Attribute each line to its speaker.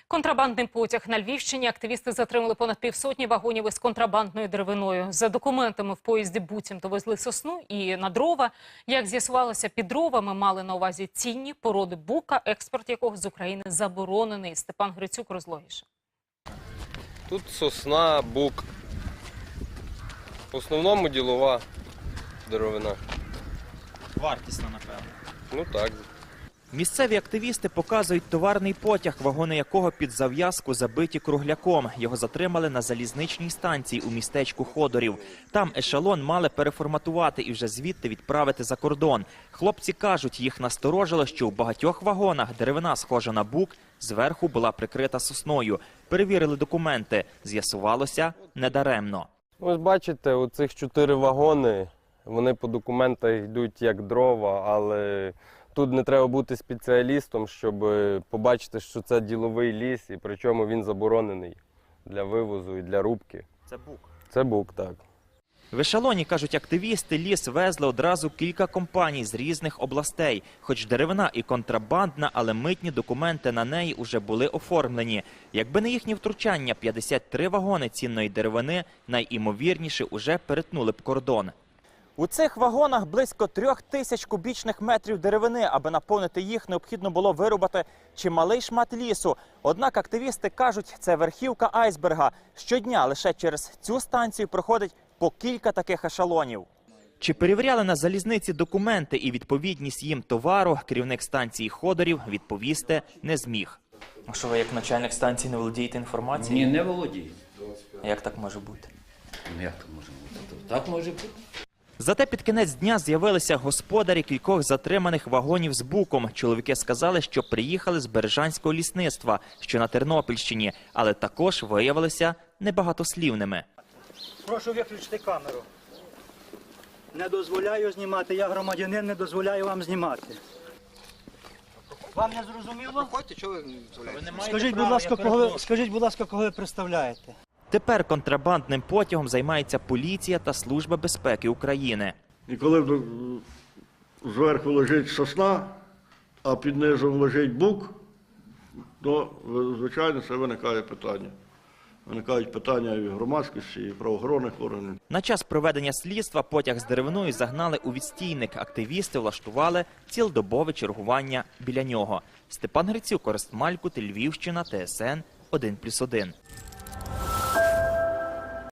Speaker 1: Контрабандний потяг на Львівщині. Активісти затримали понад півсотні вагонів із контрабандною деревиною. За документами в поїзді буцімто везли сосну і на дрова. Як з'ясувалося, під дровами мали на увазі цінні породи бука, експорт якого з України заборонений. Степан Грицюк розлогіше.
Speaker 2: Тут сосна, бук. В основному ділова деревина.
Speaker 3: Вартісна, напевно.
Speaker 2: Ну так.
Speaker 3: Місцеві активісти показують товарний потяг, вагони якого під зав'язку забиті кругляком. Його затримали на залізничній станції у містечку Ходорів. Там ешелон мали переформатувати і вже звідти відправити за кордон. Хлопці кажуть, їх насторожило, що у багатьох вагонах деревина, схожа на бук, зверху була прикрита сосною. Перевірили документи. З'ясувалося – недаремно.
Speaker 2: Ось бачите, оцих 4 вагони, вони по документах йдуть як дрова, але тут не треба бути спеціалістом, щоб побачити, що це діловий ліс, і причому він заборонений для вивозу і для рубки.
Speaker 3: Це бук?
Speaker 2: Це бук, так.
Speaker 3: В ешелоні, кажуть активісти, ліс везли одразу кілька компаній з різних областей. Хоч деревина і контрабандна, але митні документи на неї уже були оформлені. Якби не їхнє втручання, 53 вагони цінної деревини найімовірніше уже перетнули б кордон. У цих вагонах близько 3000 кубічних метрів деревини. Аби наповнити їх, необхідно було вирубати чималий шмат лісу. Однак активісти кажуть, це верхівка айсберга. Щодня лише через цю станцію проходить по кілька таких ешелонів. Чи перевіряли на залізниці документи і відповідність їм товару, керівник станції Ходорів відповісти не зміг.
Speaker 4: А що ви як начальник станції не володієте інформацією?
Speaker 5: Ні, не володію.
Speaker 4: Як так може бути?
Speaker 5: Ну як так може бути? Так може бути.
Speaker 3: Зате під кінець дня з'явилися господарі кількох затриманих вагонів з буком. Чоловіки сказали, що приїхали з Бережанського лісництва, що на Тернопільщині, але також виявилися небагатослівними.
Speaker 6: Прошу виключити камеру. Не дозволяю знімати. Я громадянин, не дозволяю вам знімати. Вам не зрозуміло? Скажіть, будь ласка, кого ви представляєте?
Speaker 3: Тепер контрабандним потягом займається поліція та Служба безпеки України.
Speaker 7: І коли зверху лежить сосна, а під низом лежить бук, то, звичайно, це виникає питання. Виникають питання і громадськості, і правоохоронних органів.
Speaker 3: На час проведення слідства потяг з деревиною загнали у відстійник. Активісти влаштували цілодобове чергування біля нього. Степан Грицюк, Орест Малькут, Львівщина, ТСН 1+1.